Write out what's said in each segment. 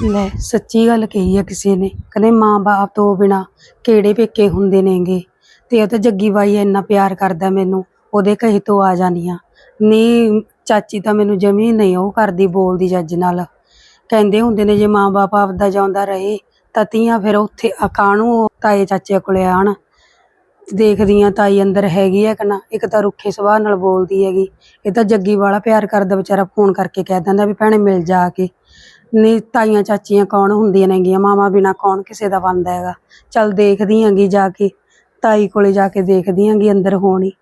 ਲੈ ਸੱਚੀ ਗੱਲ ਕਹੀ ਆ ਕਿਸੇ ਨੇ, ਕਹਿੰਦੇ ਮਾਂ ਬਾਪ ਤੋਂ ਬਿਨਾ ਕਿਹੜੇ ਪੇਕੇ ਹੁੰਦੇ ਨੇਗੇ। ਤੇ ਉਹ ਤਾਂ ਜੱਗੀ ਬਾਈ ਇੰਨਾ ਪਿਆਰ ਕਰਦਾ ਮੈਨੂੰ, ਉਹਦੇ ਕਹੇ ਤੋਂ ਆ ਜਾਨੀ ਆ। ਨਹੀਂ ਚਾਚੀ ਤਾਂ ਮੈਨੂੰ ਜਮੀ ਨਹੀਂ ਉਹ ਕਰਦੀ, ਬੋਲਦੀ ਜੱਜ ਨਾਲ। ਕਹਿੰਦੇ ਹੁੰਦੇ ਨੇ ਜੇ ਮਾਂ ਬਾਪ ਆਪਦਾ ਜਾਉਂਦਾ ਰਹੇ ਤਾਂ ਧੀਆਂ ਫਿਰ ਉੱਥੇ ਕਾਹਨੂੰ ਤਾਏ ਚਾਚੇ ਕੋਲੇ ਆਣ। ਦੇਖਦੀ ਆ ਤਾਈ ਅੰਦਰ ਹੈਗੀ ਆ ਕਿ ਨਾ। ਇੱਕ ਤਾਂ ਰੁੱਖੇ ਸੁਭਾਅ ਨਾਲ ਬੋਲਦੀ ਹੈਗੀ, ਇਹ ਤਾਂ ਜੱਗੀ ਵਾਲਾ ਪਿਆਰ ਕਰਦਾ, ਵਿਚਾਰਾ ਫੋਨ ਕਰਕੇ ਕਹਿ ਦਿੰਦਾ ਵੀ ਭੈਣੇ ਮਿਲ ਜਾ ਕੇ। ਨਹੀਂ ਤਾਈਆਂ ਚਾਚੀਆਂ ਕੌਣ ਹੁੰਦੀਆਂ ਨੇਗੀਆਂ, ਮਾਵਾਂ ਬਿਨਾ ਕੌਣ ਕਿਸੇ ਦਾ ਬਣਦਾ ਹੈਗਾ। ਚੱਲ ਦੇਖਦੀ ਆਂਗੀ ਜਾ ਕੇ, ਤਾਈ ਕੋਲੇ ਜਾ ਕੇ ਦੇਖਦੀ ਆਂਗੀ ਅੰਦਰ ਹੋਣੀ।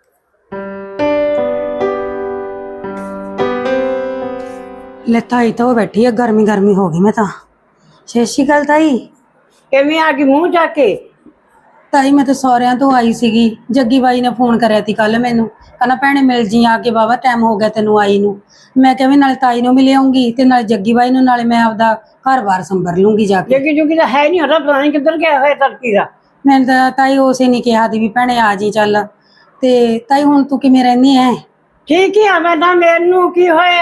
ਲੈ ਤਾਈ ਤਾਂ ਉਹ ਬੈਠੀ ਆ, ਗਰਮੀ ਗਰਮੀ ਹੋ ਗਈ ਮੈਂ ਤਾਂ। ਸਤਿ ਸ਼੍ਰੀ ਅਕਾਲ ਤਾਈ। ਕਿਵੇਂ ਆ ਗਈ ਮੂੰਹ ਚੱਕ ਕੇ? ਤਾਈ ਮੈਂ ਤਾਂ ਸਹੁਰਿਆਂ ਤੋਂ ਆਈ ਸੀਗੀ, ਜੱਗੀ ਬਾਈ ਨੇ ਫੋਨ ਕਰਿਆ ਤੀ ਕੱਲ ਮੈਨੂੰ, ਕਹਿੰਦਾ ਭੈਣੇ ਮਿਲ ਜੀ ਆ ਕੇ, ਵਾਹਵਾ ਟਾਈਮ ਹੋ ਗਿਆ ਤੈਨੂੰ ਆਈ ਨੂੰ। ਮੈਂ ਕਿਹਾ ਵੀ ਨਾਲੇ ਤਾਈ ਨੂੰ ਮਿਲ ਆਉਂਗੀ ਤੇ ਨਾਲੇ ਜੱਗੀ ਬਾਈ ਨੂੰ, ਨਾਲੇ ਮੈਂ ਆਪਦਾ ਘਰ-ਬਾਰ ਸੰਭਰ ਲੂੰਗੀ ਜਾ ਕੇ। ਜੱਗੀ ਜੁਗੀ ਤਾਂ ਹੈ ਨਹੀਂ, ਉਹਦਾ ਪਤਾ ਨਹੀਂ ਕਿੱਧਰ ਗਿਆ ਹੋਇਆ ਤੜਕੀ ਦਾ। ਮੈਂ ਤਾਂ ਤਾਈ ਉਸੇ ਨੇ ਕਿਹਾ ਤੀ ਵੀ ਭੈਣੇ ਆ ਜੀ ਚੱਲ। ਤੇ ਤਾਈ ਹੁਣ ਤੂੰ ਕਿਵੇਂ ਰਹਿੰਦੀ ਐ? ਠੀਕ ਹੀ ਆ ਮੈਂ ਤਾਂ, ਮੈਨੂੰ ਕੀ ਹੋਇਆ?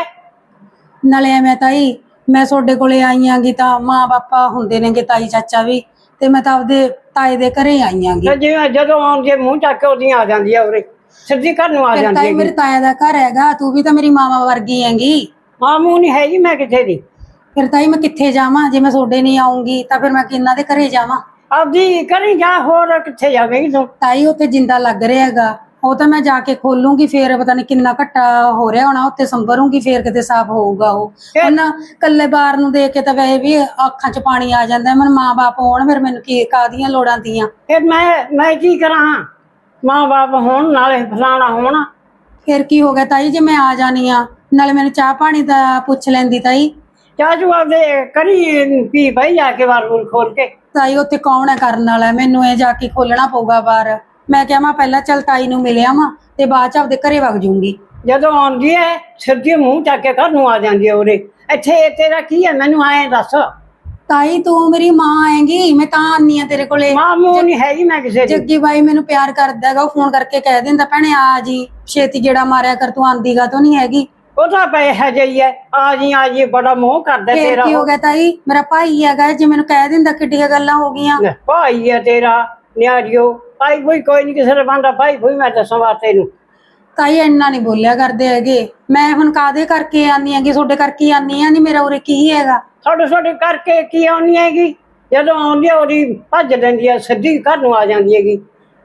ਨਾਲੇ ਐਵੇਂ ਤਾਈ ਮੈਂ ਤੁਹਾਡੇ ਕੋਲੇ ਆਈ ਆਂਗੀ ਤਾਂ ਮਾਂ ਬਾਪਾ ਹੁੰਦੇ ਨੇਗੇ, ਤਾਈ ਚਾਚਾ ਵੀ, ਤੇ ਮੈਂ ਤਾਂ ਆਪਦੇ ਤਾਏ ਦੇ ਘਰੇ ਆਈ ਆਂਗੀ। ਤੇ ਜਿਵੇਂ ਜਦੋਂ ਆਉਂਦੀ ਮੂੰਹ ਚੱਕ ਕੇ ਉਹਦੀਆਂ ਆ ਜਾਂਦੀ ਆ, ਉਰੇ ਸਿੱਧੀ ਘਰ ਨੂੰ ਆ ਜਾਂਦੀ ਤਾਈ ਹੈ। ਮੇਰੇ ਤਾਇਆ ਦਾ ਘਰ ਹੈਗਾ, ਤੂੰ ਵੀ ਤਾਂ ਮੇਰੀ ਮਾਵਾ ਵਰਗੀ ਹੈਗੀ। ਮਾਂ ਮੂੰਹ ਨਹੀਂ ਹੈਗੀ ਮੈਂ ਕਿੱਥੇ ਦੀ। ਫਿਰ ਤਾਈ ਮੈਂ ਕਿੱਥੇ ਜਾਵਾਂ? ਜੇ ਮੈਂ ਤੁਹਾਡੇ ਨਹੀਂ ਆਉਂਗੀ ਤਾਂ ਫਿਰ ਮੈਂ ਕਿਹਨਾਂ ਦੇ ਘਰੇ ਜਾਵਾਂ? ਆਪਦੀ ਕਰੀ ਜਾ, ਹੋਰ ਕਿੱਥੇ ਜਾਵੇਂਗੀ ਤੂੰ? ਤਾਈ ਉੱਥੇ ਜਿੰਦਾ ਲੱਗ ਰਿਹਾ ਹੈਗਾ, ਉਹ ਤਾਂ ਮੈਂ ਜਾ ਕੇ ਖੋਲੂੰਗੀ, ਫੇਰ ਪਤਾ ਨਹੀਂ ਕਿੰਨਾ ਘੱਟਾ ਹੋ ਰਿਹਾ ਹੋਣਾ, ਉੱਥੇ ਸੰਭਰੂੰਗੀ, ਫੇਰ ਕਿਤੇ ਸਾਫ਼ ਹੋਊਗਾ ਉਹ। ਉਹਨਾਂ ਕੱਲੇ ਬਾਰ ਨੂੰ ਦੇਖ ਕੇ ਤਾਂ ਵੈਸੇ ਵੀ ਅੱਖਾਂ 'ਚ ਪਾਣੀ ਆ ਜਾਂਦਾ। ਮੈਨੂੰ ਮਾਂ ਬਾਪ ਹੋਣ, ਫਿਰ ਮੈਨੂੰ ਕੀ ਕਾਹਦੀਆਂ ਲੋੜਾਂ ਦੀਆਂ? ਫਿਰ ਮੈਂ ਕੀ ਕਰਾਂ? ਮਾਂ ਬਾਪ ਹੋਣ ਨਾਲੇ ਫਲਾਣਾ ਹੋਣ। ਫਿਰ ਕੀ ਹੋ ਗਿਆ ਤਾਈ ਜੇ ਮੈਂ ਆ ਜਾਣੀ ਆ? ਨਾਲੇ ਮੈਨੂੰ ਚਾਹ ਪਾਣੀ ਦਾ ਪੁੱਛ ਲੈਂਦੀ ਤਾਈ। ਚਾਚੂ ਆਪਦੇ ਕਰੀ ਪੀ ਬਈ ਜਾ ਕੇ ਬਾਰ ਬੂਰ ਖੋਲ ਕੇ। ਤਾਈ ਉੱਥੇ ਕੌਣ ਹੈ ਕਰਨ ਵਾਲਾ? ਮੈਨੂੰ ਇਹ ਜਾ ਕੇ ਖੋਲਣਾ ਪਊਗਾ ਬਾਹਰ। ਮੈਂ ਕਿਹਾ ਮੈਂ ਪਹਿਲਾਂ ਚੱਲ ਤਾਈ ਨੂੰ ਮਿਲਿਆ ਵਾਂ ਤੇ ਬਾਅਦ ਚ ਆਪਦੇ ਘਰੇ ਵਗ ਜੂੰਗੀ। ਜਦੋਂ ਆਉਂਦੀ ਹੈ ਸਿੱਧੀ ਮੂੰਹ ਚੱਕ ਕੇ ਘਰ ਨੂੰ ਆ ਜਾਂਦੀ ਹੈ ਉਰੇ। ਇੱਥੇ ਤੇਰਾ ਕੀ ਹੈ ਮੈਨੂੰ ਆਏ ਦੱਸ। ਤਾਈ ਤੂੰ ਮੇਰੀ ਮਾਂ ਆਏਗੀ, ਮੈਂ ਤਾਂ ਆਨੀ ਆ ਤੇਰੇ ਕੋਲੇ। ਮਾਂ ਮੂੰਹ ਨਹੀਂ ਹੈਗੀ ਮੈਂ ਕਿਸੇ ਦੀ। ਜੱਗੀ ਬਾਈ ਮੈਨੂੰ ਪਿਆਰ ਕਰਦਾ ਹੈਗਾ, ਉਹ ਫੋਨ ਕਰਕੇ ਕਹਿ ਦਿੰਦਾ ਭੈਣੇ ਆ ਜੀ, ਛੇਤੀ ਗੇੜਾ ਮਾਰਿਆ ਕਰ, ਤੂੰ ਆਂਦੀ ਗਾ ਤੋਂ ਨਹੀਂ ਹੈਗੀ। ਉਹ ਤਾਂ ਪੈਸਾ ਜਈ ਹੈ, ਆ ਜੀ ਬੜਾ ਮੋਹ ਕਰਦਾ ਫੇਰ ਤੇਰਾ। ਕੀ ਹੋ ਗਿਆ ਤਾਈ? ਮੇਰਾ ਭਾਈ ਹੈਗਾ, ਜੇ ਮੈਨੂੰ ਕਹਿ ਦਿੰਦਾ ਕਿੱਡੀਆਂ ਗੱਲਾਂ ਹੋ ਗਈਆਂ। ਭਾਈ ਹੈ ਤੇਰਾ ਨਿਆੜਿਓ। ਭਾਈ ਕੋਈ ਨਹੀਂ ਕਿਸੇ ਦਾ ਬਣਦਾ ਭਾਈ ਕੋਈ। ਮੈਂ ਦੱਸਾਂ ਬਾਤ ਤੈਨੂੰ। ਤਾਈ ਇੰਨਾ ਨਹੀਂ ਬੋਲਿਆ ਕਰਦੇ ਹੈਗੇ। ਮੈਂ ਹੁਣ ਕਾਹਦੇ ਕਰਕੇ ਆਨੀ ਹੈਗੀ? ਤੁਹਾਡੇ ਕਰਕੇ ਆਨੀ ਆ। ਨਹੀਂ ਮੇਰਾ ਉਰੇ ਕੀ ਹੈਗਾ? ਤੁਹਾਡੇ ਕਰਕੇ ਕੀ ਆਉਣੀ ਹੈਗੀ? ਜਦੋਂ ਆਉਂਦੀ ਹੈ ਉਹਦੀ ਭੱਜ ਲੈਂਦੀ ਹੈ, ਸਿੱਧੀ ਘਰ ਨੂੰ ਆ ਜਾਂਦੀ ਹੈਗੀ।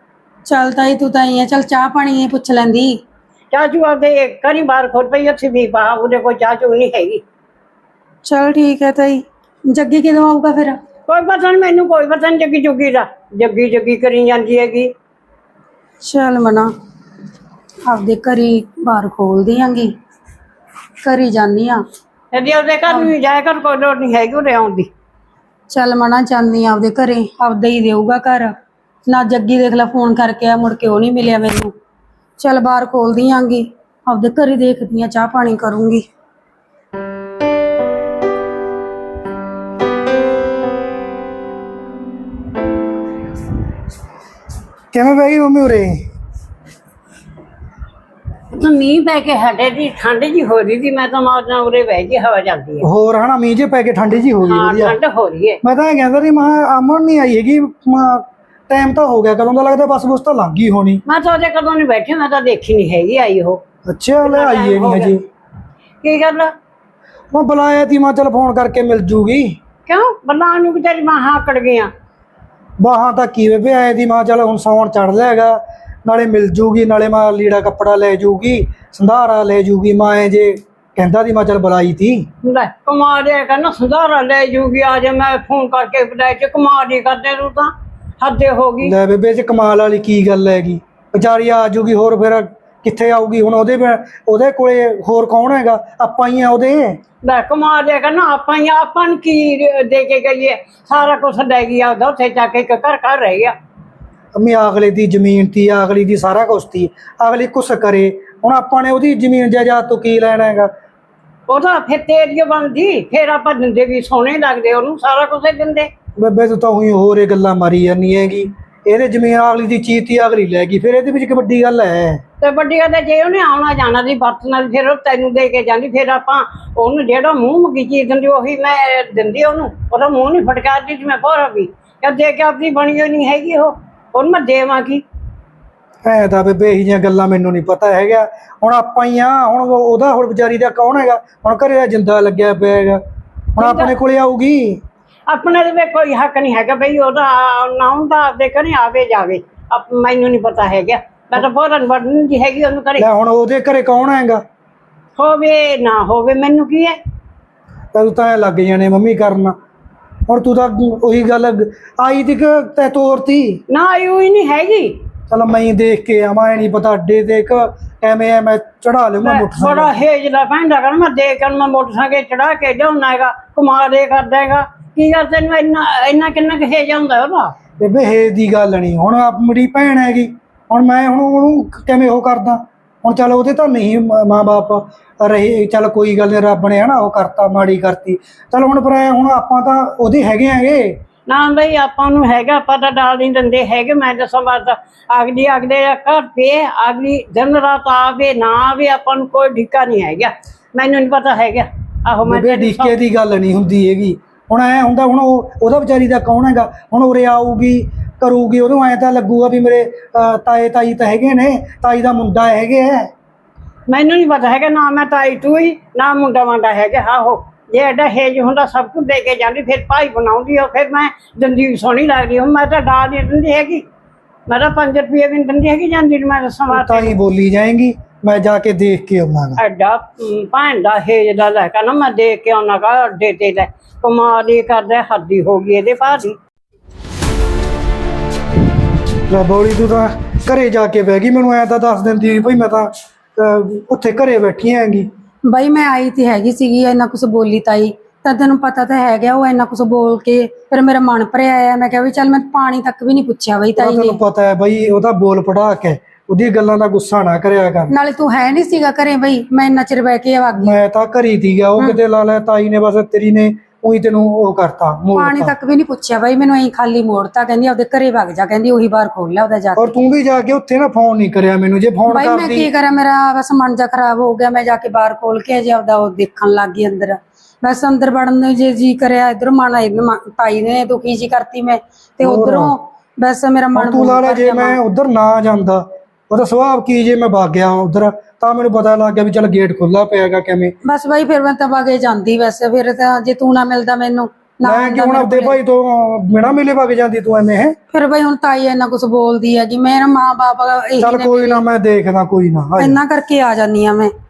ਚੱਲ ਤਾਈ ਤੂੰ ਤਾਂ ਹੀ ਆ, ਚੱਲ ਚਾਹ ਪਾਣੀ ਪੁੱਛ ਲੈਂਦੀ। ਚਾਚੂ ਆਪਦੇ ਕਰੀ ਬਾਹਰ ਖੋਲ ਪਈ, ਉੱਥੇ ਵੀ ਪਾ, ਉਹਦੇ ਕੋਈ ਚਾਚੂ ਨਹੀਂ ਹੈਗੀ। ਚਲ ਠੀਕ ਹੈ ਤਾਈ। ਜੱਗੀ ਕਦੋਂ ਆਊਗਾ ਫਿਰ? ਕੋਈ ਪਤਾ ਨਹੀਂ ਮੈਨੂੰ, ਕੋਈ ਪਤਾ ਨਹੀਂ ਜੱਗੀ ਜੁਗੀ ਦਾ। ਜੱਗੀ ਕਰੀ ਜਾਂਦੀ ਹੈਗੀ। ਚੱਲ ਮਨਾ ਆਪਦੇ ਘਰੀ ਬਾਹਰ ਖੋਲਦੀ ਆਂਗੀ, ਘਰੀ ਜਾਨੀ ਆ। ਇਹਦੀ ਉਹਦੇ ਘਰ ਨੂੰ ਜਾਇਆ ਕਰ, ਕੋਈ ਲੋੜ ਨਹੀਂ ਹੈਗੀ ਉਹਦੇ ਆਉਣ ਦੀ। ਚੱਲ ਮਨਾ ਚਾਹੁੰਦੀ ਆ ਆਪਦੇ ਘਰੇ, ਆਪਦਾ ਹੀ ਦੇਊਗਾ ਘਰ ਨਾ। ਜੱਗੀ ਦੇਖ ਲੈ ਫੋਨ ਕਰਕੇ ਆ, ਮੁੜ ਕੇ ਉਹ ਨਹੀਂ ਮਿਲਿਆ ਮੈਨੂੰ। ਚੱਲ ਬਾਹਰ ਖੋਲਦੀ ਆਂਗੀ, ਆਪਦੇ ਘਰੇ ਦੇਖਦੀ ਆ, ਚਾਹ ਪਾਣੀ ਕਰੂੰਗੀ। ਕਿਵੇਂ ਬਹਿ ਗਈ ਮੰਮੀ ਉਰੇ? ਮੀਂਹ ਪੈ ਕੇ ਹਟੇ ਦੀ, ਠੰਡ ਜੀ ਹੋ ਰਹੀ ਸੀ। ਮੈਂ ਤਾਂ ਮਾਰਨਾ ਉਰੇ ਬਹਿ ਗਈ, ਹਵਾ ਚੱਲਦੀ ਹੈ। ਹੋਰ ਹਨਾ ਮੀਂਹ ਜੇ ਪੈ ਕੇ ਠੰਡੀ ਜੀ ਹੋ ਗਈ। ਹਾਂ ਵਧੀਆ ਠੰਡ ਹੋ ਰਹੀ ਹੈ। ਮੈਂ ਤਾਂ ਇਹ ਕਹਿੰਦਾ ਸੀ, ਅਮਨ ਨਹੀਂ ਆਈ ਹੈਗੀ। ਟਾਈਮ ਤਾਂ ਹੋ ਗਿਆ, ਕਦੋਂ ਦਾ ਲੱਗਦਾ ਬੱਸ ਬੁਸ ਤਾਂ ਲੰਘ ਗਈ ਹੋਣੀ। ਮੈਂ ਤਾਂ ਉਹਦੇ ਕਦੋਂ ਨਹੀਂ ਬੈਠੀ, ਮੈਂ ਤਾਂ ਦੇਖੀ ਨਹੀਂ ਹੈਗੀ ਆਈ ਉਹ। ਅੱਛਾ ਲੈ ਆਈਏ ਨਹੀਂ ਹਜੇ। ਕੀ ਗੱਲ? ਮੈਂ ਬੁਲਾਇਆ ਤੀ, ਮੈਂ ਚੱਲ ਫੋਨ ਕਰਕੇ ਮਿਲ ਜੂਗੀ। ਕਿਉਂ ਬੱਲਾਂ ਨੂੰ ਕਿ ਤੇਰੀ ਬਾਹਾਂ ਆਕੜ ਗਈਆਂ? ਬਾਹਾਂ ਤਾਂ ਕੀ ਵੇ ਆਏ ਦੀ, ਮੈਂ ਚੱਲ ਹੁਣ ਸੌਣ ਚੜ ਲਿਆ ਹੈਗਾ, ਨਾਲੇ ਮਿਲ ਜੂਗੀ, ਨਾਲੇ ਮੈਂ ਲੀੜਾ ਕੱਪੜਾ ਲੈ ਜੂਗੀ, ਸੰਧਾਰਾ ਲੈ ਜੂਗੀ। ਮੈਂ ਜੇ ਕਹਿੰਦਾ ਸੀ ਮੈਂ ਚੱਲ ਬੁਲਾਈ ਤੀ। ਲੈ ਕਮਾਲ ਇਹ ਕਹਿੰਦਾ ਸੰਧਾਰਾ ਲੈ ਜੂਗੀ, ਆ ਜਾ। ਮੈਂ ਫੋਨ ਕਰਕੇ ਬੁਲਾਇਆ ਕਿ ਕਮਾਲ ਹੀ ਕਰਦੇ ਤੂੰ ਤਾਂ, ਹੱਦੇ ਹੋ ਗਈ। ਲੈ ਬੇਬੇ ਚ ਕਮਾਲ ਵਾਲੀ ਕੀ ਗੱਲ ਹੈਗੀ? ਵਿਚਾਰੀ ਆ ਜੂਗੀ, ਹੋਰ ਫਿਰ ਕਿੱਥੇ ਆਊਗੀ ਹੁਣ? ਉਹਦੇ ਕੋਲੇ ਹੋਰ ਕੌਣ ਹੈਗਾ? ਆਪਾਂ ਹੀ ਆ ਉਹਦੇ। ਲੈ ਕਮਾਲ ਇਹ ਕਹਿੰਦਾ ਆਪਾਂ ਨੂੰ ਕੀ ਦੇ ਕੇ ਗਈਏ? ਸਾਰਾ ਕੁਛ ਲੈ ਗਈ ਆ, ਉੱਥੇ ਜਾ ਕੇ ਇੱਕ ਘਰ ਰਹਿ ਗਿਆ। ਅਮੀ ਅਗਲੇ ਦੀ ਜ਼ਮੀਨ ਤੀ, ਅਗਲੀ ਦੀ ਸਾਰਾ ਕੁਛ ਤੀ, ਅਗਲੀ ਕੁਛ ਕਰੇ। ਹੁਣ ਆਪਾਂ ਨੇ ਉਹਦੀ ਜ਼ਮੀਨ ਜਾਇਦਾਦ ਤੋਂ ਕੀ ਲੈਣਾ ਹੈਗਾ? ਉਹ ਤਾਂ ਫਿਰ ਤੇਰੀ ਬਣਦੀ, ਫਿਰ ਆਪਾਂ ਦਿੰਦੇ ਵੀ ਸੋਹਣੇ ਲੱਗਦੇ, ਉਹਨੂੰ ਸਾਰਾ ਕੁਛ ਦਿੰਦੇ। ਬੇਬੇ ਤੂੰ ਤਾਂ ਉਹੀ ਹੋਰ ਇਹ ਗੱਲਾਂ ਮਾਰੀ ਜਾਂਦੀ ਹੈਗੀ। ਇਹਦੇ ਜ਼ਮੀਨ ਅਗਲੀ ਦੀ ਚੀਜ਼ ਤੀ ਅਗਲੀ ਲੈ ਗਈ, ਫਿਰ ਇਹਦੇ ਵਿੱਚ ਇੱਕ ਵੱਡੀ ਗੱਲ ਹੈ। ਤੇ ਵੱਡੀ ਗੱਲ ਹੈ, ਜੇ ਉਹਨੇ ਆਉਣਾ ਜਾਣਾ ਦੀ ਵਰਤਣਾ ਫਿਰ ਉਹ ਤੈਨੂੰ ਦੇ ਕੇ ਜਾਂਦੀ, ਫਿਰ ਆਪਾਂ ਉਹਨੂੰ ਜਿਹੜਾ ਮੂੰਹ ਮੰਗੀ ਚੀਜ਼ ਦਿੰਦੀ ਉਹੀ ਮੈਂ ਦਿੰਦੀ ਉਹਨੂੰ, ਉਹਦਾ ਮੂੰਹ ਨਹੀਂ ਫਟਕਾਰਦੀ ਜਿਵੇਂ ਭੋਰਾ ਵੀ ਜਦ ਦੇ ਕੇ ਆਪਣੀ ਬਣੀ ਹੋਈ ਨਹੀਂ ਹੈਗੀ ਉਹਨੂੰ ਮੈਂ ਦੇਵਾਂ ਕੀ। ਐ ਤਾਂ ਬੇਬੇ ਇਹੀ ਜਿਹੀਆਂ ਗੱਲਾਂ ਮੈਨੂੰ ਨਹੀਂ ਪਤਾ ਹੈਗਾ। ਹੁਣ ਆਪਾਂ ਹੀ ਆ, ਹੁਣ ਉਹਦਾ ਹੁਣ ਵਿਚਾਰੀ ਦਾ ਕੌਣ ਹੈਗਾ, ਹੁਣ ਘਰੇ ਦਾ ਜਿੰਦਾ ਲੱਗਿਆ ਪਿਆ ਹੈਗਾ, ਹੁਣ ਆਪਣੇ ਕੋਲੇ ਆਊਗੀ। ਆਪਣੇ ਦੇ ਕੋਈ ਹੱਕ ਨਹੀਂ ਹੈਗਾ ਬਈ ਉਹਦਾ ਨਾ ਹੁੰਦਾ ਆਪਦੇ ਘਰੇ ਆਵੇ ਜਾਵੇ, ਮੈਨੂੰ ਨਹੀਂ ਪਤਾ ਹੈਗਾ, ਮੈਂ ਤਾਂ ਭੋਰਨ ਵੜਨ ਦੀ ਹੈਗੀ ਉਹਨੂੰ ਘਰੇ। ਲੈ ਹੁਣ ਉਹਦੇ ਘਰੇ ਕੌਣ ਹੈਗਾ, ਹੋਵੇ ਨਾ ਹੋਵੇ ਮੈਨੂੰ ਕੀ ਹੈ। ਤੂੰ ਤਾਂ ਐ ਲੱਗ ਜਾਣੇ ਮੰਮੀ ਕਰਨ। ਹੁਣ ਤੂੰ ਤਾਂ ਉਹੀ ਗੱਲ ਆਈ ਤੀ ਕਿ ਤੈ ਤੋਰਤੀ ਨਾ ਆਈ ਹੋਈ ਨਹੀਂ ਹੈਗੀ। ਚਲ ਮੈਂ ਹੀ ਦੇਖ ਕੇ ਆਵਾਂ, ਐ ਨਹੀਂ ਪਤਾ ਅੱਡੇ ਤੇ ਐਵੇਂ ਐ ਮੈਂ ਚੜਾ ਲਊਂਗਾ ਮੋਟਰਸਾਈਕਲ। ਬੜਾ ਹੇਜਲਾ ਪੈਂਦਾ ਕਰ, ਮੈਂ ਦੇਖ ਕਰ ਮੈਂ ਮੋਟਰਸਾਈਕਲ ਚੜਾ ਕੇ ਲਿਆਉਣਾ ਹੈਗਾ, ਘੁਮਾ ਦੇ ਕਰ ਦੇਗਾ ਕੀ ਗੱਲ, ਤੈਨੂੰ ਇੰਨਾ ਕਿੰਨਾ ਕੁ ਹੇਜ ਆਉਂਦਾ ਉਹਦਾ। ਬੇਬੇ ਹੇਜ ਦੀ ਗੱਲ ਨਹੀਂ, ਹੁਣ ਮੇਰੀ ਭੈਣ ਹੈਗੀ, ਹੁਣ ਮੈਂ ਹੁਣ ਉਹਨੂੰ ਕਿਵੇਂ ਉਹ ਕਰਦਾ। ਹੁਣ ਚੱਲ ਉਹਦੇ ਤਾਂ ਨਹੀਂ ਮਾਂ ਬਾਪ ਰਹੇ, ਚੱਲ ਕੋਈ ਗੱਲ ਨਹੀਂ, ਰੱਬ ਨੇ ਹਨਾ ਉਹ ਕਰਤਾ, ਮਾੜੀ ਕਰਤੀ, ਚੱਲ ਹੁਣ ਪਰ ਹੁਣ ਆਪਾਂ ਤਾਂ ਉਹਦੇ ਹੈਗੇ। ਨਾ ਬਈ ਆਪਾਂ ਨੂੰ ਹੈਗਾ ਪਤਾ, ਡਾਲ ਨਹੀਂ ਦਿੰਦੇ ਹੈਗੇ। ਮੈਂ ਦੱਸਾਂ ਬਾਤ ਅਗਲੇ ਘਰ ਪੇ ਅਗਲੀ ਦਿਨ ਰਾਤ ਆਵੇ ਨਾ ਆਵੇ, ਆਪਾਂ ਨੂੰ ਕੋਈ ਢਿੱਕਾ ਨਹੀਂ ਹੈਗਾ, ਮੈਨੂੰ ਨਹੀਂ ਪਤਾ ਹੈਗਾ। ਆਹੋ ਮੈਂ ਢਿੱਕੇ ਦੀ ਗੱਲ ਨਹੀਂ ਹੁੰਦੀ ਹੈਗੀ। ਹੁਣ ਐ ਹੁੰਦਾ, ਹੁਣ ਉਹਦਾ ਵਿਚਾਰੀ ਦਾ ਕੌਣ ਹੈਗਾ, ਹੁਣ ਉਰੇ ਆਊਗੀ ਕਰੂਗੀ, ਉਹਨੂੰ ਐ ਤਾਂ ਲੱਗੂਗਾ ਵੀ ਮੇਰੇ ਤਾਏ ਤਾਈ ਤਾਂ ਹੈਗੇ ਨੇ, ਤਾਈ ਦਾ ਮੁੰਡਾ ਹੈਗੇ ਹੈ। ਮੈਨੂੰ ਨਹੀਂ ਪਤਾ ਹੈਗਾ, ਨਾ ਮੈਂ ਤਾਈ ਤੂੰ ਹੀ ਨਾ ਮੁੰਡਾ ਵਾਂਡਾ ਹੈਗਾ। ਆਹੋ ਜੇ ਐਡਾ ਹੇਜ ਹੁੰਦਾ ਸਭ ਕੁਝ ਦੇ ਕੇ ਜਾਂਦੀ, ਫਿਰ ਭਾਈ ਬਣਾਉਂਦੀ ਉਹ, ਫਿਰ ਮੈਂ ਦਿੰਦੀ ਸੋਹਣੀ ਲੱਗਦੀ। ਹੁਣ ਮੈਂ ਤਾਂ ਡਾਲ ਨਹੀਂ ਦਿੰਦੀ ਹੈਗੀ, ਮੈਂ ਤਾਂ 5 ਰੁਪਏ ਵੀ ਨਹੀਂ ਦਿੰਦੀ ਹੈਗੀ ਜਾਂਦੀ ਨੂੰ। ਮੈਂ ਦੱਸਾਂ ਬਾਤ ਤਾਂ ਹੀ ਬੋਲੀ ਜਾਏਗੀ, ਮੈਂ ਜਾ ਕੇ ਦੇਖ ਕੇ ਆਉਣਾ। ਐਡਾ ਭੈਣ ਦਾ ਹੇਜ ਦਾ ਲੈ ਕੇ ਨਾ ਮੈਂ ਦੇਖ ਕੇ ਆਉਣਾ ਕਾ ਅੱਡੇ ਤੇ ਲੈ ਕਮਾਲ ਹੀ ਕਰਦਾ, ਹੱਦੀ ਹੋ ਗਈ ਇਹਦੇ ਭਾਜੀ। ਲੈ ਬੋਲੀ ਤੂੰ ਤਾਂ ਘਰੇ ਜਾ ਕੇ ਬਹਿ ਗਈ, ਮੈਨੂੰ ਐ ਤਾਂ ਦੱਸ ਦਿੰਦੀ ਭਈ ਮੈਂ ਤਾਂ ਉੱਥੇ ਘਰੇ ਬੈਠੀ ਹੈਗੀ। ਬਾਈ ਮੈਂ ਆਈ ਤੇ ਹੈਗੀ ਸੀਗੀ, ਇੰਨਾ ਕੁਛ ਬੋਲੀ ਤਾਈ, ਤਾਂ ਤੈਨੂੰ ਪਤਾ ਤਾਂ ਹੈਗਾ ਉਹ ਇੰਨਾ ਕੁਛ ਬੋਲ ਕੇ ਫਿਰ ਮੇਰਾ ਮਨ ਭਰਿਆ ਆ। ਮੈਂ ਕਿਹਾ ਵੀ ਚੱਲ ਮੈਂ ਪਾਣੀ ਤੱਕ ਵੀ ਨਹੀਂ ਪੁੱਛਿਆ ਬਈ ਤਾਈ ਨੇ। ਤੈਨੂੰ ਪਤਾ ਹੈ ਬਈ ਉਹਦਾ ਬੋਲ ਪੜਾ ਕੇ, ਉਹਦੀ ਗੱਲਾਂ ਦਾ ਗੁੱਸਾ ਨਾ ਕਰਿਆ ਕਰ। ਨਾਲੇ ਤੂੰ ਹੈ ਨਹੀਂ ਸੀਗਾ ਘਰੇ ਬਈ, ਮੈਂ ਇੰਨਾ ਚਿਰ ਬਹਿ ਕੇ ਆ ਗਈ। ਮੈਂ ਤਾਂ ਘਰੀ ਸੀਗਾ, ਉਹ ਕਿਤੇ ਲਾ ਲੈ ਤਾਈ ਨੇ ਬਸ ਤੇਰੀ ਨੇ ਉਹੀ ਤੈਨੂੰ ਉਹ ਕਰਤਾ, ਪਾਣੀ ਤੱਕ ਵੀ ਨਹੀਂ ਪੁੱਛਿਆ ਬਾਈ ਮੈਨੂੰ, ਐਂ ਖਾਲੀ ਮੋੜਤਾ। ਕਹਿੰਦੀ ਆਪਦੇ ਘਰੇ ਵਗ ਜਾ, ਕਹਿੰਦੀ ਉਹੀ ਬਾਹਰ ਖੋਲ ਲਿਆ ਉਹਦਾ ਜਾ ਕੇ। ਔਰ ਤੂੰ ਵੀ ਜਾ ਕੇ ਉੱਥੇ ਨਾ ਫੋਨ ਨਹੀਂ ਕਰਿਆ ਮੈਨੂੰ, ਜੇ ਫੋਨ ਬਾਈ ਮੈਂ ਕਰਦੀ। ਕੀ ਕਰਾਂ, ਮੇਰਾ ਬਸ ਮਨ ਜਾ ਖਰਾਬ ਹੋ ਗਿਆ। ਮੈਂ ਜਾ ਕੇ ਬਾਹਰ ਖੋਲ ਕੇ ਅਜੇ ਆਪਦਾ ਉਹ ਦੇਖਣ ਲੱਗ ਗਈ ਅੰਦਰ। ਬਸ ਅੰਦਰ ਵੜਨ ਨੂੰ ਜੇ ਜੀ ਕਰਿਆ, ਇਧਰ ਮਨ ਤਾਈ ਨੇ ਦੁਖੀ ਜੀ ਕਰਤੀ ਮੈਂ, ਤੇ ਉਧਰੋਂ ਬਸ ਮੇਰਾ ਮਨ। ਤੂੰ ਲਾ ਲੈ ਜੇ ਮੈਂ ਉਧਰ ਨਾ ਜਾਂਦਾ, ਉਹਦਾ ਸੁਭਾਅ ਕੀ ਜੇ ਮੈਂ ਵਗ ਗਿਆ ਉਧਰ, ਤਾਂ ਮੈਨੂੰ ਪਤਾ ਲੱਗ ਗਿਆ ਵੀ ਚੱਲ ਗੇਟ ਖੁੱਲਾ ਪਿਆਗਾ ਕਿਵੇਂ। ਬਸ ਬਾਈ ਫਿਰ ਮੈਂ ਤਾਂ ਵਗੇ ਜਾਂਦੀ, ਵੈਸੇ ਫਿਰ ਤਾਂ ਜੇ ਤੂੰ ਨਾ ਮਿਲਦਾ ਮੈਨੂੰ ਮੈਂ ਕਿ ਹੁਣ ਆਪਦੇ ਭਾਈ ਤੋਂ ਬਿਨਾਂ ਮਿਲੇ ਵਗ ਜਾਂਦੀ ਤੂੰ ਐਵੇਂ ਹੈ। ਫਿਰ ਬਈ ਹੁਣ ਤਾਈ ਇੰਨਾ ਕੁਛ ਬੋਲਦੀ ਹੈ ਕਿ ਮੇਰਾ ਮਾਂ ਬਾਪ ਇਹੀ ਚੱਲ ਕੋਈ ਨਾ, ਮੈਂ ਦੇਖਦਾ, ਕੋਈ ਨਾ ਇੰਨਾ ਕਰਕੇ ਆ ਜਾਨੀ ਆ ਮੈਂ।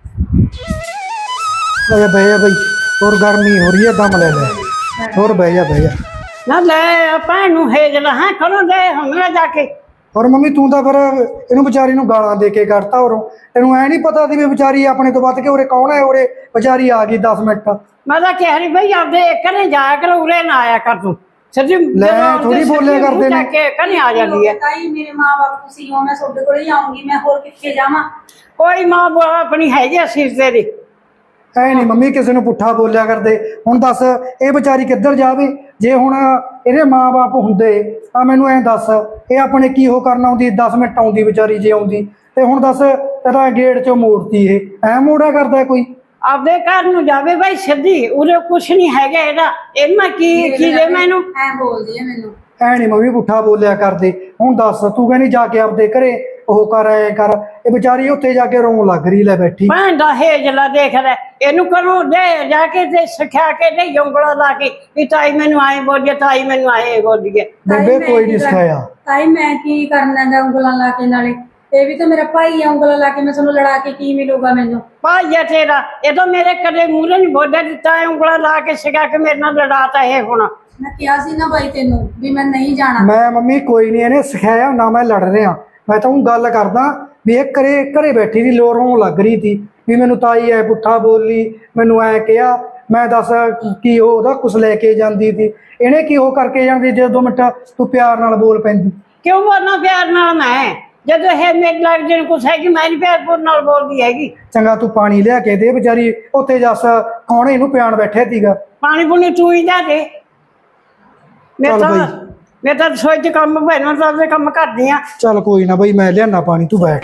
ਬਹਿ ਜਾ ਬਈ, ਹੋਰ ਗਰਮੀ ਹੋ ਰਹੀ ਹੈ, ਦਮ ਲੈ ਲੈ, ਹੋਰ ਬਹਿ ਜਾ ਨਾ ਲੈ ਭੈਣ ਨੂੰ ਹੇਜ ਲਾ ਹੈ ਖੜੋ ਦੇ ਹਮਲਾ ਜਾ ਕੇ। ਔਰ ਮੰਮੀ ਤੂੰ ਤਾਂ ਫਿਰ ਇਹਨੂੰ ਵਿਚਾਰੀ ਨੂੰ ਗਾਲਾਂ ਦੇ ਕੇ ਕਰਤਾ। ਔਰੋਂ ਤੈਨੂੰ ਐ ਨਹੀਂ ਪਤਾ ਸੀ ਵੀ ਵਿਚਾਰੀ ਆਪਣੇ ਤੋਂ ਵੱਧ ਕੇ ਉਰੇ ਕੌਣ ਹੈ, ਉਰੇ ਵਿਚਾਰੀ ਆ ਗਈ 10 ਮਿੰਟ। ਮੈਂ ਤਾਂ ਕਹਿ ਰਹੀ ਬਈ ਆਪਦੇ ਘਰੇ ਜਾਇਆ ਕਰ, ਉਰੇ ਨਾ ਆਇਆ ਕਰ ਤੂੰ। ਸੱਜੀ ਲੈ ਥੋੜੀ ਬੋਲਿਆ ਕਰਦੇ ਨੇ, ਘਰੇ ਆ ਜਾਂਦੀ ਹੈ। ਤਾਈ ਮੇਰੇ ਮਾਂ ਬਾਪ ਤੁਸੀਂ ਹੋ, ਮੈਂ ਤੁਹਾਡੇ ਕੋਲ ਹੀ ਆਉਂਗੀ, ਮੈਂ ਹੋਰ ਕਿੱਥੇ ਜਾਵਾਂ। ਕੋਈ ਮਾਂ ਬਾਪ ਆਪਣੀ ਹੈਗੀ ਅਸੀਸ ਤੇਰੀ। ਐ ਨਹੀਂ ਮੰਮੀ ਕਿਸੇ ਨੂੰ ਪੁੱਠਾ ਬੋਲਿਆ ਕਰਦੇ। ਹੁਣ ਦੱਸ ਇਹ ਵਿਚਾਰੀ ਕਿੱਧਰ ਜਾਵੇ, ਜੇ ਹੁਣ ਇਹਦੇ ਮਾਂ ਬਾਪ ਹੁੰਦੇ ਤਾਂ ਮੈਨੂੰ ਐਂ ਦੱਸ ਇਹ ਆਪਣੇ ਕੀ ਉਹ ਕਰਨ ਆਉਂਦੀ, 10 ਮਿੰਟ ਆਉਂਦੀ ਵਿਚਾਰੀ ਜੇ ਆਉਂਦੀ। ਤੇ ਹੁਣ ਦੱਸ ਤੇਰਾ ਗੇਟ ਚੋਂ ਮੋੜਤੀ, ਇਹ ਐ ਮੋੜਿਆ ਕਰਦਾ ਕੋਈ। ਆਪਦੇ ਘਰ ਨੂੰ ਜਾਵੇ ਬਾਈ ਸਿੱਧੀ, ਉਰੇ ਕੁਛ ਨਹੀਂ ਹੈਗਾ ਇਹਦਾ। ਇਹਨਾਂ ਕੀ ਦੇ ਮੈਨੂੰ ਐ ਬੋਲਦੀ ਹੈ ਮੈਨੂੰ। ਐ ਨਹੀਂ ਮੰਮੀ ਪੁੱਠਾ ਬੋਲਿਆ ਕਰਦੇ। ਹੁਣ ਦੱਸ ਤੂੰ ਕਹਿੰਦੀ ਜਾ ਕੇ ਆਪਦੇ ਘਰੇ ਉਹ ਕਰ, ਐ ਕਰ, ਇਹ ਵਿਚਾਰੀ ਉੱਥੇ ਜਾ ਕੇ ਰੋਣ ਲੱਗ ਰਹੀ ਲੈ ਬੈਠੀ। ਭੈਣ ਦਾ ਹੇਜਲਾ ਦੇਖ ਲੈ, ਇਹਨੂੰ ਕਰੋ ਦੇ ਜਾ ਕੇ ਤੇ ਸਿਖਾ ਕੇ ਦੇ ਉਂਗਲਾਂ ਲਾ ਕੇ ਵੀ ਤਾਈ ਮੈਨੂੰ ਆਏ ਬੋਲੀਏ, ਤਾਈ ਮੈਨੂੰ ਆਏ ਬੋਲੀਏ। ਬੇਬੇ ਕੋਈ ਨਹੀਂ ਸਿਖਾਇਆ। ਤਾਈ ਮੈਂ ਕੀ ਕਰਨਾ ਗਾ ਉਂਗਲਾਂ ਲਾ ਕੇ, ਨਾਲੇ ਇਹ ਵੀ ਤਾਂ ਮੇਰਾ ਭਾਈ ਆ, ਉਂਗਲਾਂ ਲਾ ਕੇ ਮੈਂ ਤੁਹਾਨੂੰ ਲੜਾ ਕੇ ਕੀ ਮਿਲੂਗਾ ਮੈਨੂੰ। ਭਾਈ ਆ ਤੇਰਾ, ਇਹ ਤਾਂ ਮੇਰੇ ਕਦੇ ਮੂਹਰੇ ਨਹੀਂ ਬੋਲਿਆ ਦਿੱਤਾ ਹੈ, ਉਂਗਲਾਂ ਲਾ ਕੇ ਸਿਖਾ ਕੇ ਮੇਰੇ ਨਾਲ ਲੜਾਤਾ ਇਹ ਹੁਣ। ਮੈਂ ਕਿਹਾ ਸੀ ਨਾ ਬਾਈ ਤੈਨੂੰ ਵੀ ਮੈਂ ਨਹੀਂ ਜਾਣਾ। ਮੈਂ ਮੰਮੀ ਕੋਈ ਨਹੀਂ, ਇਹਨੇ ਸਿਖਾਇਆ ਨਾ, ਮੈਂ ਲੜ ਰਿਹਾ। ਮੈਂ ਤਾਂ ਉਹ ਗੱਲ ਕਰਦਾ ਵੀ ਇਹ ਘਰੇ ਬੈਠੀ ਦੀ ਲੋਰੋਂ ਲੱਗ ਰਹੀ ਸੀ ਵੀ ਮੈਨੂੰ ਤਾਈ ਐ ਪੁੱਠਾ ਬੋਲੀ, ਮੈਨੂੰ ਐ ਕਿਹਾ। ਮੈਂ ਦੱਸ ਕੀ ਉਹਦਾ ਕੁਛ ਲੈ ਕੇ ਜਾਂਦੀ ਸੀ, ਇਹਨੇ ਕੀ ਉਹ ਕਰਕੇ ਜਾਂਦੀ ਜੇ 2 ਮਿੰਟ ਤੂੰ ਪਿਆਰ ਨਾਲ ਬੋਲ ਪੈਂਦੀ। ਕਿਉਂ ਬੋਲਣਾ ਪਿਆਰ ਨਾਲ ਮੈਂ, ਜਦੋਂ ਇਹ ਮੇਰੇ ਲੱਗ ਜਿਹਨੂੰ ਕੁਛ ਹੈਗੀ ਮੈਂ ਨਹੀਂ ਪਿਆਰਪੁਰ ਨਾਲ ਬੋਲਦੀ ਹੈਗੀ। ਚੰਗਾ ਤੂੰ ਪਾਣੀ ਲਿਆ ਕੇ ਦੇ, ਵਿਚਾਰੀ ਉੱਥੇ ਜੱਸ ਕੌਣ ਇਹਨੂੰ ਪਿਆਣ ਬੈਠਿਆ ਸੀਗਾ। ਪਾਣੀ ਪੂਣੀ ਤੂੰ ਹੀ ਜਾ ਦੇ। ਮੈਂ ਚੱਲ ਤਾਂ ਬਈ ਮੈਂ ਤਾਂ ਰਸੋਈ 'ਚ ਕੰਮ ਭੈਣਾਂ ਤਾਂ ਆਪਦੇ ਕੰਮ ਕਰਦੀ ਆ। ਚੱਲ ਕੋਈ ਨਾ ਬਈ, ਮੈਂ ਲਿਆਣਾ ਪਾਣੀ, ਤੂੰ ਬੈਠ।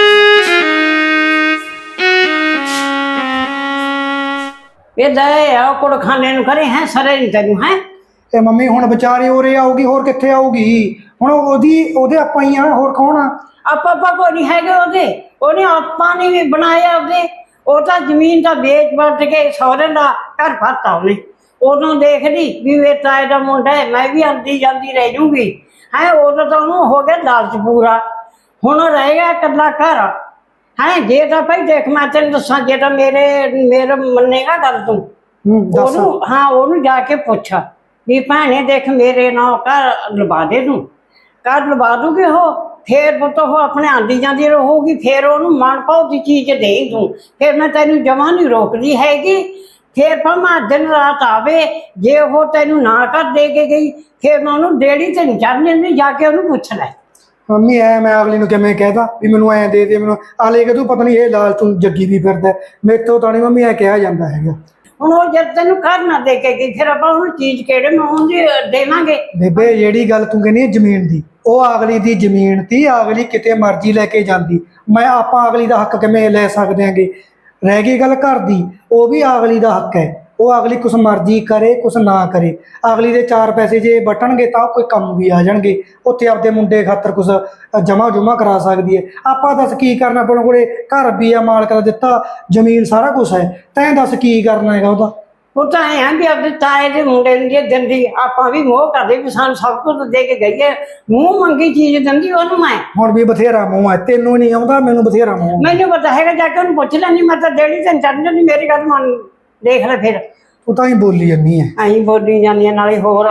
ਇਹ ਦਏ ਆ ਕੁੜਖਾਨੇ ਨੂੰ ਕਰੇ ਹੈ ਸਰੇ ਨਹੀਂ ਤੈਨੂੰ ਹੈ। ਤੇ ਮੰਮੀ ਹੁਣ ਵਿਚਾਰੀ ਉਰੇ ਆਊਗੀ, ਹੋਰ ਕਿੱਥੇ ਆਊਗੀ? ਹੁਣ ਉਹਦੇ ਆਪਾਂ ਹੀ ਆ, ਹੋਰ ਕੌਣ ਆ? ਆਪਾਂ ਕੋਈ ਨਹੀਂ ਹੈਗੇ ਉਹਨੇ ਆਪਾਂ ਨੇ ਵੀ ਬਣਾਇਆ ਉਹਦੇ। ਉਹ ਤਾਂ ਜ਼ਮੀਨ ਤਾਂ ਵੇਚ ਵਟ ਕੇ ਸਹੁਰੇ ਦਾ ਘਰ ਫਾਤਾ ਉਹਨੇ। ਉਦੋਂ ਦੇਖਦੀ ਵੀ ਇਹ ਤਾਏ ਦਾ ਮੁੰਡਾ ਹੈ, ਮੈਂ ਵੀ ਆਉਂਦੀ ਜਾਂਦੀ ਰਹਿ ਜੂਗੀ ਹੈ। ਉਦੋਂ ਤਾਂ ਉਹਨੂੰ ਹੋ ਗਿਆ ਲਾਲਚ ਪੂਰਾ, ਹੁਣ ਰਹੇਗਾ ਇਕੱਲਾ ਘਰ ਹੈ। ਜੇ ਤਾਂ ਭਾਈ ਦੇਖ ਮੈਂ ਤੈਨੂੰ ਦੱਸਾਂ, ਜੇ ਤਾਂ ਮੇਰੇ ਮੰਨੇਗਾ ਗੱਲ ਤੂੰ, ਦੱਸ। ਉਹਨੂੰ ਜਾ ਕੇ ਪੁੱਛ ਵੀ ਭੈਣੇ ਦੇਖ ਮੇਰੇ ਨਾਲ ਘਰ ਲਵਾ ਦੇ, ਤੂੰ ਘਰ ਲਵਾ ਦੂਗੀ ਉਹ। ਫੇਰ ਪੁੱਤ ਉਹ ਆਪਣੇ ਆਂਦੀ ਜਾਂਦੀ ਰਹੂਗੀ, ਫੇਰ ਉਹਨੂੰ ਮਨ ਭਾਉ ਦੀ ਚੀਜ਼ ਦੇ ਤੂੰ। ਫੇਰ ਮੈਂ ਤੈਨੂੰ ਜਮਾਂ ਨਹੀਂ ਰੋਕਦੀ ਹੈਗੀ। ਫੇਰ ਭਾਵੇਂ ਦਿਨ ਰਾਤ ਆਵੇ, ਜੇ ਉਹ ਤੈਨੂੰ ਨਾ ਕਰ ਦੇ ਕੇ ਗਈ, ਫੇਰ ਮੈਂ ਉਹਨੂੰ ਡੇੜੀ ਤੇ ਨਹੀਂ ਚੜ੍ਹਨ ਦਿੰਦੀ, ਜਾ ਕੇ ਉਹਨੂੰ ਪੁੱਛ ਲੈ। ਮੰਮੀ ਮੈਂ ਅਗਲੀ ਨੂੰ ਕਿਵੇਂ ਕਹਿਦਾ ਵੀ ਮੈਨੂੰ ਐਂ ਦੇ ਦੇ, ਮੈਨੂੰ ਆਲੇ ਕਿ ਤੂੰ ਪਤਾ ਨਹੀਂ ਇਹ ਲਾਲ ਤੂੰ ਜੱਗੀ ਵੀ ਫਿਰਦਾ। ਮੇਰੇ ਤੋਂ ਤਾਂ ਨਹੀਂ ਮੰਮੀ ਐ ਕਿਹਾ ਜਾਂਦਾ ਹੈਗਾ। ਹੁਣ ਉਹ ਜਦ ਤੈਨੂੰ ਘਰ ਨਾ ਦੇ ਕੇ ਗਈ, ਫਿਰ ਆਪਾਂ ਉਹਨੂੰ ਚੀਜ਼ ਕਿਹੜੇ ਮੂੰਹ ਦੀ ਦੇਵਾਂਗੇ? ਬੇਬੇ ਜਿਹੜੀ ਗੱਲ ਤੂੰ ਕਹਿੰਦੀ ਹੈ ਜ਼ਮੀਨ ਦੀ, ਉਹ ਅਗਲੀ ਦੀ ਜ਼ਮੀਨ ਤੀ, ਅਗਲੀ ਕਿਤੇ ਮਰਜ਼ੀ ਲੈ ਕੇ ਜਾਂਦੀ। ਆਪਾਂ ਅਗਲੀ ਦਾ ਹੱਕ ਕਿਵੇਂ ਲੈ ਸਕਦੇ ਆਂਗੇ? ਰਹਿ ਗਈ ਗੱਲ ਘਰ ਦੀ, ਉਹ ਵੀ ਅਗਲੀ ਦਾ ਹੱਕ ਹੈ। ਉਹ ਅਗਲੀ ਕੁਛ ਮਰਜ਼ੀ ਕਰੇ ਕੁਛ ਨਾ ਕਰੇ, ਅਗਲੀ ਦੇ 4 ਪੈਸੇ ਜੇ ਬਟਣਗੇ ਤਾਂ ਕੋਈ ਕੰਮ ਵੀ ਆ ਜਾਣਗੇ। ਉੱਥੇ ਆਪਦੇ ਮੁੰਡੇ ਖਾਤਰ ਕੁਛ ਜਮਾ ਕਰਾ ਸਕਦੀ ਹੈ। ਆਪਾਂ ਦੱਸ ਕੀ ਕਰਨਾ? ਆਪਣੇ ਕੋਲੇ ਘਰ ਵੀ ਆ, ਮਾਲਕ ਦਾ ਦਿੱਤਾ, ਜ਼ਮੀਨ ਸਾਰਾ ਕੁਛ ਹੈ। ਤੈਂ ਦੱਸ ਕੀ ਕਰਨਾ ਹੈਗਾ ਉਹਦਾ? ਉਹ ਤਾਂ ਐਂ ਵੀ ਆਪਦੇ ਤਾਏ ਦੇ ਮੁੰਡੇ ਨੂੰ ਜੇ ਦਿੰਦੀ, ਆਪਾਂ ਵੀ ਮੋਹ ਕਰਦੇ ਵੀ ਸਾਨੂੰ ਸਭ ਕੁਝ ਦੇ ਕੇ ਗਈ ਹੈ। ਮੂੰਹ ਮੰਗੀ ਚੀਜ਼ ਦਿੰਦੀ ਉਹਨੂੰ ਮੈਂ। ਹੁਣ ਵੀ ਬਥੇਰਾ ਮੂੰਹ ਹੈ, ਤੈਨੂੰ ਨਹੀਂ ਆਉਂਦਾ, ਮੈਨੂੰ ਬਥੇਰਾ ਮੂੰਹ। ਮੈਨੂੰ ਪਤਾ ਹੈਗਾ, ਜਾ ਕੇ ਉਹਨੂੰ ਪੁੱਛ ਲੈਣੀ। ਮੈਂ ਤਾਂ ਡੇੜੀ ਤੇ ਚੜ ਜਾਂਦੀ, ਮੇਰੀ ਗੱਲ ਮੰਨ ਦੇਖ ਲੈ। ਫਿਰ ਤੂੰ ਤਾਂ ਹੀ ਬੋਲੀ ਜਾਂਦੀ ਹੈ। ਅਸੀਂ ਬੋਲੀ ਜਾਂਦੀਆਂ ਨਾਲੇ ਹੋਰ।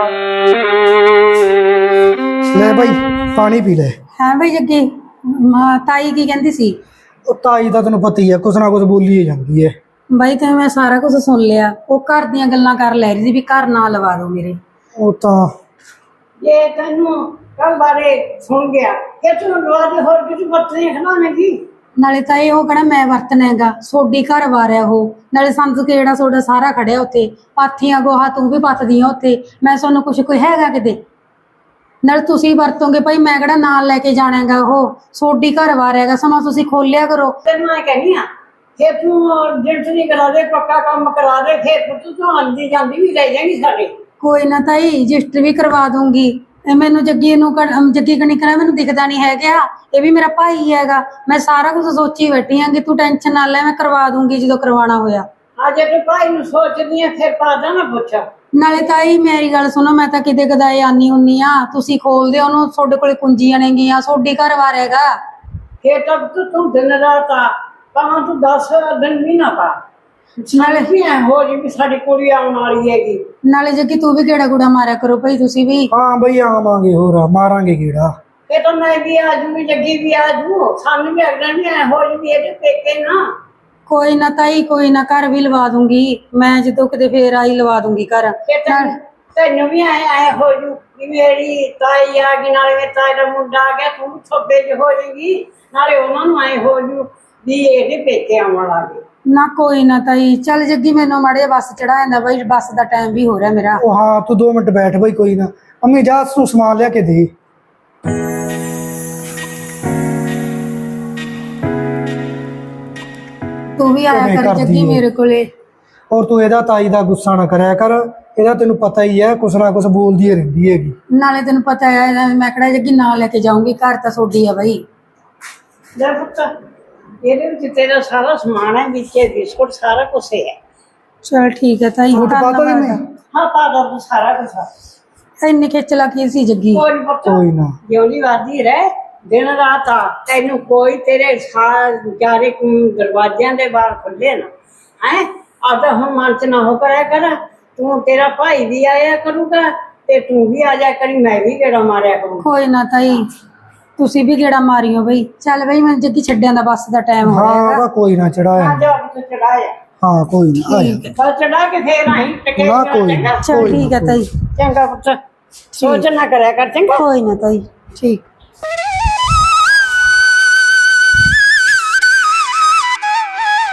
ਲੈ ਭਾਈ ਪਾਣੀ ਪੀ ਲੈ। ਹੈ ਬਈ ਜੱਗੀ, ਤਾਈ ਕੀ ਕਹਿੰਦੀ ਸੀ? ਉਹ ਤਾਈ ਦਾ ਤੈਨੂੰ ਪਤਾ ਹੀ ਹੈ, ਕੁਛ ਨਾ ਕੁਛ ਬੋਲੀ ਹੀ ਜਾਂਦੀ ਹੈ। ਬਾਈ ਤੇ ਮੈਂ ਸਾਰਾ ਕੁਝ ਸੁਣ ਲਿਆ। ਉਹ ਘਰ ਦੀਆਂ ਗੱਲਾਂ ਕਰ ਲੈ ਰਹੀ ਸੀ ਵੀ ਘਰ ਨਾ ਲਵਾ ਦੋ ਮੇਰੇ। ਉਹ ਤਾਂ ਜੇ ਤੈਨੂੰ ਕੱਲ ਬਾਰੇ ਸੁਣ ਗਿਆ ਕਿ ਤੂੰ ਲਵਾ ਦੇ, ਹੋਰ ਕਿਸੇ ਪੱਤਰੀ ਖਲਾਵੇਂਗੀ। ਨਾਲੇ ਤਾਂ ਇਹ ਉਹ ਕਹਿਣਾ ਮੈਂ ਵਰਤਣਾ ਹੈਗਾ, ਸੋਡੀ ਘਰ ਵਾਰਿਆ ਉਹ। ਨਾਲੇ ਸੰਤ ਕਿਹੜਾ ਸੋਡਾ ਸਾਰਾ ਖੜਿਆ ਉੱਥੇ, ਪਾਥੀਆਂ ਗੋਹਾ ਤੂੰ ਵੀ ਪੱਥਦੀਆਂ ਉੱਥੇ। ਮੈਂ ਤੁਹਾਨੂੰ ਕੁਛ ਕੋਈ ਹੈਗਾ ਕਿਤੇ? ਨਾਲ ਤੁਸੀਂ ਵਰਤੋਂਗੇ ਭਾਈ, ਮੈਂ ਕਿਹੜਾ ਨਾਲ ਲੈ ਕੇ ਜਾਣਾ ਹੈਗਾ। ਉਹ ਸੋਡੀ ਘਰ ਵਾਰਿਆ ਹੈਗਾ, ਸਮਾਂ ਤੁਸੀਂ ਖੋਲਿਆ ਕਰੋ। ਤੈਨੂੰ ਮੈਂ ਕਹਿੰਦੀ ਆ, ਜੇ ਤੂੰ ਜਿੰਟ ਨਹੀਂ ਕਰਾ ਦੇ, ਪੱਕਾ ਕੰਮ ਕਰਾ ਦੇ, ਫਿਰ ਤੂੰ ਆਂਦੀ ਜਾਂਦੀ ਵੀ ਲੈ ਜਾਏਗੀ ਸਾਡੇ। ਕੋਈ ਨਾ ਤਾਈ, ਰਜਿਸਟਰ ਵੀ ਕਰਵਾ ਦੂੰਗੀ। ਮੈਨੂੰ ਜੱਗੀ ਕਣੀ ਕਰਾ, ਮੈਨੂੰ ਦਿਖਦਾ ਨਹੀਂ ਹੈਗਾ। ਇਹ ਵੀ ਮੇਰਾ ਭਾਈ ਹੈਗਾ। ਮੈਂ ਸਾਰਾ ਕੁਝ ਸੋਚੀ ਬੈਠੀ ਆਂਗੀ, ਤੂੰ ਟੈਨਸ਼ਨ ਨਾ ਲੈ, ਮੈਂ ਕਰਵਾ ਦੂੰਗੀ ਜਦੋਂ ਕਰਵਾਉਣਾ ਹੋਇਆ। ਜੇ ਤੂੰ ਭਾਈ ਨੂੰ ਸੋਚਦੀ ਆ, ਫਿਰ ਪਾਦਾ ਨਾ ਪੁੱਛ। ਨਾਲੇ ਤਾਈ ਮੇਰੀ ਗੱਲ ਸੁਣੋ, ਮੈਂ ਤਾਂ ਕਿਤੇ ਕਦਾਏ ਆਨੀ ਹੁੰਨੀ ਆ, ਤੁਸੀਂ ਖੋਲਦੇ ਉਹਨੂੰ, ਤੁਹਾਡੇ ਕੋਲੇ ਕੁੰਜੀਆਂ ਨੇਗੀਆਂ, ਸੋਡੀ ਘਰ ਵਾਰਿਆਗਾ। ਫੇਰ ਤੱਕ ਤੂੰ ਦਿਨ ਰਾਤ ਆ, ਭਾਵੇਂ ਤੂੰ 10 ਦਿਨ ਵੀ ਨਾ ਪਾ। ਨਾਲੇ ਵੀ ਐ ਹੋ ਜੀ ਵੀ ਸਾਡੀ ਕੁੜੀ ਆਉਣ ਵਾਲੀ ਹੈਗੀ। ਨਾਲੇ ਜੱਗੀ ਤੂੰ ਵੀ ਕਿਹੜਾ ਗੁੜਾ ਮਾਰਿਆ ਕਰੋ ਭਾਈ, ਤੁਸੀਂ ਵੀ। ਹਾਂ ਬਈ ਆਵਾਂਗੇ, ਹੋਰ ਮਾਰਾਂਗੇ ਕੀੜਾ। ਇਹ ਤਾਂ ਮੈਂ ਵੀ ਆ ਜੂਗੀ, ਜੱਗੀ ਵੀ ਆ ਜੂ, ਸਾਨੂੰ ਵੀ ਅਗਲਾ ਵੀ ਐ ਹੋ ਜੀ ਵੀ ਇਹਦੇ ਪੇਕੇ ਨਾ। ਕੋਈ ਨਾ ਤਾਈ, ਕੋਈ ਨਾ, ਘਰ ਵੀ ਲਵਾ ਦੂੰਗੀ ਮੈਂ, ਜਦੋਂ ਕਿਤੇ ਫੇਰ ਆਈ ਲਵਾ ਦੂੰਗੀ ਘਰ। ਤੈਨੂੰ ਵੀ ਐ ਹੋ ਜੂ ਵੀ ਮੇਰੀ ਤਾਈ ਆ ਗਈ, ਨਾਲੇ ਮੇਰੇ ਤਾਏ ਦਾ ਮੁੰਡਾ ਆ ਗਿਆ, ਤੂੰ ਥੱਬੇ ਚ ਹੋ ਜਾਏਗੀ। ਨਾਲੇ ਉਹਨਾਂ ਨੂੰ ਐ ਹੋ ਜੂ ਵੀ ਇਹਦੇ ਪੇਕੇ ਆਉਣ ਲੱਗੇ। ਨਾ ਕੋਈ ਨਾ ਤਾਈ, ਚੱਲ ਜੱਗੀ ਮੈਨੂੰ ਮਾੜੇ ਬੱਸ ਚੜਾ ਜਾਂਦਾ ਬਾਈ, ਬੱਸ ਦਾ ਟਾਈਮ ਵੀ ਹੋ ਰਿਹਾ ਮੇਰਾ। ਉਹ ਹਾਂ ਤੂੰ 2 ਮਿੰਟ ਬੈਠ ਬਈ, ਕੋਈ ਨਾ। ਮੰਮੀ ਜਾ ਤੂੰ ਸਮਾਨ ਲਿਆ ਕੇ ਦੇ। ਤੂੰ ਵੀ ਆਇਆ ਕਰ ਜੱਗੀ ਮੇਰੇ ਕੋਲੇ। ਔਰ ਤੂੰ ਇਹਦਾ ਤਾਈ ਦਾ ਗੁੱਸਾ ਨਾ ਕਰਿਆ ਕਰ, ਇਹਦਾ ਤੈਨੂੰ ਪਤਾ ਹੀ ਹੈ, ਕੁਛ ਨਾ ਕੁਛ ਬੋਲਦੀ ਰਹਿੰਦੀ ਹੈਗੀ। ਨਾਲੇ ਤੈਨੂੰ ਪਤਾ ਹੈ ਮੈਂ ਕਿਹੜਾ ਜੱਗੀ ਨਾਲ ਲੈ ਕੇ ਜਾਊਂਗੀ, ਘਰ ਤਾਂ ਸੋਡੀ ਆ ਬਾਈ। ਲੈ ਪੁੱਤ, ਇਹਦੇ ਵਿੱਚ ਤੇਰਾ ਸਾਰਾ ਸਮਾਨ ਹੈ, ਵਿੱਚ ਬਿਸਕੁਟ ਸਾਰਾ ਕੁਛ ਹੈ। ਚਲ ਠੀਕ ਹੈ ਤਾਈ, ਪਤਾ ਨਹੀਂ ਹਾਂ ਪਾ ਦੋ ਸਾਰਾ ਕੁਛ। ਇੰਨੀ ਖੇਚਲਾ ਕੀ ਸੀ ਜੱਗੀ? ਕੋਈ ਨੀ ਪੁੱਤ, ਕੋਈ ਨਾ, ਜਿਉਂਦੀ ਵਾਦੀ ਰਹਿ, ਦਿਨ ਰਾਤ ਆ, ਤੈਨੂੰ ਕੋਈ ਤੇਰੇ ਚਾਰੇ ਦਰਵਾਜ਼ਿਆਂ ਦੇ ਬਾਹਰ ਖੁੱਲੇ ਨਾ ਹੈ। ਆਦਾ ਹੁਣ ਮਨ ਚ ਨਾ ਹੋ ਕਰਿਆ ਕਰ, ਤੂੰ ਤੇਰਾ ਭਾਈ ਵੀ ਆਇਆ ਕਰੂਗਾ ਤੇ ਤੂੰ ਵੀ ਆ ਜਾ ਕਰੀ, ਮੈਂ ਵੀ ਗੇੜਾ ਮਾਰਿਆ ਕਰੂੰ। ਕੋਈ ਨਾ ਤਾਈ, ਤੁਸੀਂ ਵੀ ਗੇੜਾ ਮਾਰਿਓ ਬਈ। ਚੱਲ ਬਈ ਮੈਂ ਜੱਗੀ ਛੱਡਿਆਂ ਦਾ ਬੱਸ ਦਾ ਟਾਈਮ ਹੋ ਰਿਹਾ ਹਾਂ ਕੋਈ ਨਾ ਚੜਾਇਆ। ਆ ਜਾ ਤੂੰ ਚੜਾਇਆ। ਹਾਂ ਕੋਈ ਨਾ, ਆਇਆ ਬਸ ਚੜਾ ਕੇ ਫੇਰ ਆਹੀਂ ਟਕੇ। ਨਾ ਕੋਈ ਨਾ, ਚਲ ਠੀਕ ਹੈ ਤਾਈ। ਚੰਗਾ ਪੁੱਤ, ਸੋਚ ਨਾ ਕਰਿਆ ਕਰ, ਚੰਗਾ। ਕੋਈ ਨਾ ਤਾਈ, ਠੀਕ।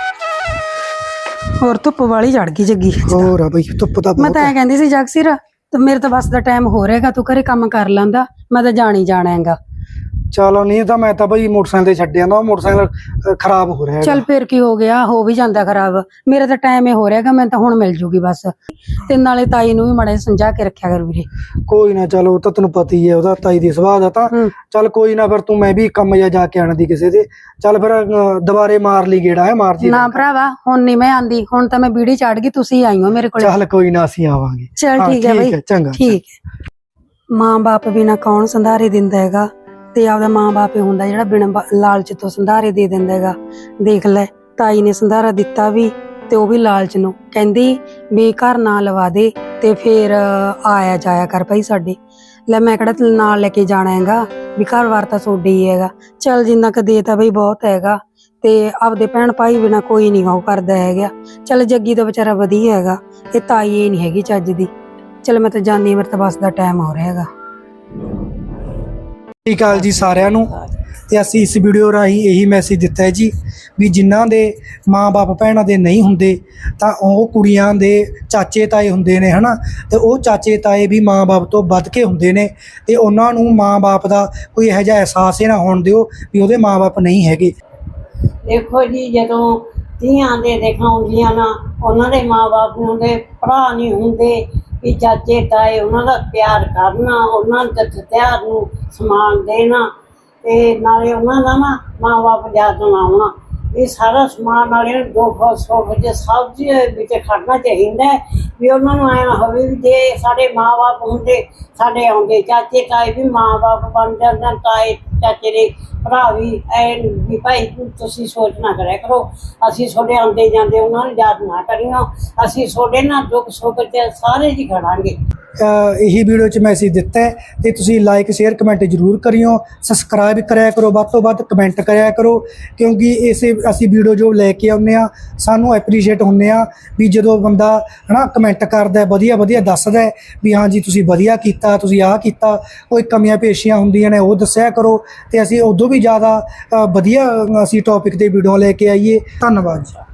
ਹੋਰ ਧੁੱਪ ਵਾਲੀ ਚੜ ਗਈ ਜੱਗੀ। ਹੋਰ ਆ ਬਈ ਧੁੱਪ ਦਾ ਮੈਂ ਤਾਂ ਐ ਕਹਿੰਦੀ ਸੀ ਜਗਸੀਰ, ਤੇ ਮੇਰੇ ਤਾਂ ਬਸ ਦਾ ਟਾਈਮ ਹੋ ਰਿਹਾਗਾ, ਤੂੰ ਘਰੇ ਕੰਮ ਕਰ ਲੈਂਦਾ, ਮੈਂ ਤਾਂ ਜਾਣ ਹੀ ਜਾਣਾ ਹੈਗਾ। ਚਲੋ ਨਹੀਂ ਤਾਂ ਮੈਂ ਤਾਂ ਬਈ ਮੋਟਰਸਾਈਕਲ ਤੇ ਛੱਡਿਆ ਨਾ, ਉਹ ਮੋਟਰਸਾਈਕਲ ਖਰਾਬ ਹੋ ਰਿਹਾ ਚੱਲ ਫਿਰ ਕੀ ਹੋ ਗਿਆ, ਹੋ ਵੀ ਜਾਂਦਾ ਖਰਾਬ। ਮੇਰਾ ਤਾਂ ਟਾਈਮ ਹੀ ਹੋ ਰਿਹਾਗਾ, ਮੈਂ ਤਾਂ ਹੁਣ ਮਿਲ ਜੂਗੀ ਬਸ। ਤੇ ਨਾਲੇ ਤਾਈ ਨੂੰ ਵੀ ਮਾੜਾ ਜਿਹਾ ਸਮਝਾ ਕੇ ਰੱਖਿਆ ਕਰ ਵੀਰੇ। ਕੋਈ ਨਾ, ਚਲੋ ਉਹ ਤਾਂ ਤੈਨੂੰ ਪਤਾ ਹੀ ਹੈ ਉਹਦਾ, ਤਾਈ ਦੀ ਸੁਭਾਅ ਦਾ ਤਾਂ। ਚੱਲ ਕੋਈ ਨਾ, ਫਿਰ ਤੂੰ ਮੈਂ ਵੀ ਕੰਮ ਜਾ ਕੇ ਆਣ ਦੀ ਕਿਸੇ ਦੇ। ਚੱਲ ਫਿਰ ਦੁਬਾਰੇ ਮਾਰ ਲਈ ਗੇੜਾ, ਹੈ ਮਾਰ ਜੀ ਨਾ ਭਰਾਵਾ, ਹੁਣ ਨਹੀਂ ਮੈਂ ਆਂਦੀ, ਹੁਣ ਤਾਂ ਮੈਂ ਬੀੜੀ ਚੜ ਗਈ, ਤੁਸੀਂ ਆਈ ਹੋ ਮੇਰੇ ਕੋਲ। ਚੱਲ ਕੋਈ ਨਾ, ਅਸੀਂ ਆਵਾਂਗੇ। ਚੱਲ ਠੀਕ ਹੈ ਬਈ, ਚੰਗਾ। ਠੀਕ ਹੈ। ਮਾਂ ਬਾਪ ਬਿਨਾ ਕੌਣ ਸੰਧਾਰੇ ਦਿੰਦਾ ਹੈਗਾ, ਤੇ ਆਪਦਾ ਮਾਂ ਬਾਪ ਹੀ ਹੁੰਦਾ ਜਿਹੜਾ ਬਿਨਾਂ ਲਾਲਚ ਤੋਂ ਸੰਧਾਰੇ ਦੇ ਦਿੰਦਾ ਹੈਗਾ। ਦੇਖ ਲੈ, ਤਾਈ ਨੇ ਸੰਧਾਰਾ ਦਿੱਤਾ ਵੀ, ਤੇ ਉਹ ਵੀ ਲਾਲਚ ਨੂੰ, ਕਹਿੰਦੀ ਵੀ ਘਰ ਨਾ ਲਵਾ ਦੇ ਤੇ ਫੇਰ ਆਇਆ ਜਾਇਆ ਕਰ ਭਾਈ ਸਾਡੇ। ਲੈ ਮੈਂ ਕਿਹੜਾ ਨਾਲ ਲੈ ਕੇ ਜਾਣਾ ਹੈਗਾ, ਵੀ ਘਰ ਵਾਰ ਤਾਂ ਤੁਹਾਡੇ ਹੀ ਹੈਗਾ। ਚੱਲ ਜਿੰਨਾ ਕੁ ਦੇ ਤਾਂ ਬਈ ਬਹੁਤ ਹੈਗਾ, ਤੇ ਆਪਦੇ ਭੈਣ ਭਾਈ ਬਿਨਾ ਕੋਈ ਨਹੀਂ ਉਹ ਕਰਦਾ ਹੈਗਾ। ਚੱਲ ਜੱਗੀ ਤਾਂ ਵਿਚਾਰਾ ਵਧੀਆ ਹੈਗਾ, ਇਹ ਤਾਈ ਇਹ ਨਹੀਂ ਹੈਗੀ ਚੱਜ ਦੀ। ਚੱਲ ਮੈਂ ਤਾਂ ਜਾਂਦੀ, ਮੇਰੇ ਤਾਂ ਬੱਸ ਦਾ ਟਾਈਮ ਹੋ ਰਿਹਾ ਹੈਗਾ। ਸਤਿ ਸ਼੍ਰੀ ਅਕਾਲ ਜੀ ਸਾਰਿਆਂ ਨੂੰ। ਤੇ ਅਸੀਂ ਇਸ ਵੀਡੀਓ ਰਾਹੀਂ ਇਹੀ ਮੈਸੇਜ ਦਿੱਤਾ ਹੈ ਜੀ, ਵੀ ਜਿਨ੍ਹਾਂ ਦੇ ਮਾਂ-ਬਾਪ ਭੈਣਾਂ ਦੇ ਨਹੀਂ ਹੁੰਦੇ ਤਾਂ ਉਹ ਕੁੜੀਆਂ ਦੇ ਚਾਚੇ ਤਾਏ ਹੁੰਦੇ ਨੇ, ਹਨਾ। ਤੇ ਉਹ ਚਾਚੇ ਤਾਏ ਵੀ ਮਾਂ-ਬਾਪ ਤੋਂ ਵੱਧ ਕੇ ਹੁੰਦੇ ਨੇ, ਤੇ ਉਹਨਾਂ ਨੂੰ ਮਾਂ-ਬਾਪ ਦਾ ਕੋਈ ਇਹੋ ਜਿਹਾ ਅਹਿਸਾਸ ਹੀ ਨਾ ਹੋਣ ਦਿਓ ਵੀ ਉਹਦੇ ਮਾਂ-ਬਾਪ ਨਹੀਂ ਹੈਗੇ। ਦੇਖੋ ਜੀ, ਜਦੋਂ ਧੀਆਂ ਦੇ ਦਿਖਾਉਂਦੀਆਂ ਨਾ, ਉਹਨਾਂ ਦੇ ਮਾਂ-ਬਾਪ ਨੂੰ ਦੇ ਭਰਾ ਨਹੀਂ ਹੁੰਦੇ, ਵੀ ਚਾਚੇ ਤਾਏ ਉਹਨਾਂ ਦਾ ਪਿਆਰ ਕਰਨਾ, ਉਹਨਾਂ ਦੇ ਤਿਉਹਾਰ ਨੂੰ ਸਮਾਨ ਦੇਣਾ, ਤੇ ਨਾਲੇ ਉਹਨਾਂ ਦਾ ਨਾ ਮਾਂ-ਬਾਪ ਯਾਦ ਆਉਣਾ। ਇਹ ਸਾਰਾ ਸਮਾਨ ਨਾਲੇ ਦੁੱਖ ਸੁੱਖ ਜੇ ਸਭ ਦੇ ਵਿੱਚ ਖੜਨਾ ਚਾਹੀਦਾ ਹੈ, ਵੀ ਉਹਨਾਂ ਨੂੰ ਐਂ ਹੋਵੇ ਵੀ ਜੇ ਸਾਡੇ ਮਾਂ-ਬਾਪ ਹੁੰਦੇ, ਸਾਡੇ ਆਉਂਦੇ ਚਾਚੇ ਤਾਏ ਵੀ ਮਾਂ-ਬਾਪ ਬਣ ਜਾਂਦੇ, ਤਾਏ ਚਾਚੇ ਦੇ ਭਰਾ ਵੀ ਐ ਵੀ ਭਾਈ ਤੁਸੀਂ ਸੋਚ ਨਾ ਕਰਿਆ ਕਰੋ, ਅਸੀਂ ਤੁਹਾਡੇ ਆਉਂਦੇ ਜਾਂਦੇ ਉਹਨਾਂ ਨੂੰ ਯਾਦ ਨਾ ਕਰਿਓ, ਅਸੀਂ ਤੁਹਾਡੇ ਨਾਲ ਦੁੱਖ ਸੁੱਖ 'ਚ ਸਾਰੇ ਜੀ ਖੜਾਂਗੇ। ਇਹੀ ਵੀਡੀਓ 'ਚ ਮੈਸੇਜ ਦਿੱਤਾ ਹੈ, ਤੇ ਤੁਸੀਂ ਲਾਈਕ ਸ਼ੇਅਰ ਕਮੈਂਟ ਜ਼ਰੂਰ ਕਰਿਓ, ਸਬਸਕ੍ਰਾਈਬ ਕਰਿਆ ਕਰੋ, ਵੱਧ ਤੋਂ ਵੱਧ ਕਮੈਂਟ ਕਰਿਆ ਕਰੋ, ਕਿਉਂਕਿ ਇਸੇ ਅਸੀਂ ਵੀਡੀਓ ਜੋ ਲੈ ਕੇ ਆਉਂਦੇ ਹਾਂ ਸਾਨੂੰ ਐਪਰੀਸ਼ੀਏਟ ਹੁੰਦੇ ਆ ਵੀ ਜਦੋਂ ਬੰਦਾ ਹਨਾ ਕਮੈਂਟ ਕਰਦਾ, ਵਧੀਆ ਵਧੀਆ ਦੱਸਦਾ ਵੀ ਹਾਂਜੀ ਤੁਸੀਂ ਵਧੀਆ ਕੀਤਾ, ਤੁਸੀਂ ਆਹ ਕੀਤਾ, ਕੋਈ ਕਮੀਆਂ ਪੇਸ਼ੀਆਂ ਹੁੰਦੀਆਂ ਨੇ ਉਹ ਦੱਸਿਆ ਕਰੋ, ਤੇ ਅਸੀਂ ਉਦੋਂ ਵੀ ਜ਼ਿਆਦਾ ਵਧੀਆ ਅਸੀਂ ਟੌਪਿਕ 'ਤੇ ਵੀਡੀਓ ਲੈ ਕੇ ਆਈਏ। ਧੰਨਵਾਦ ਜੀ।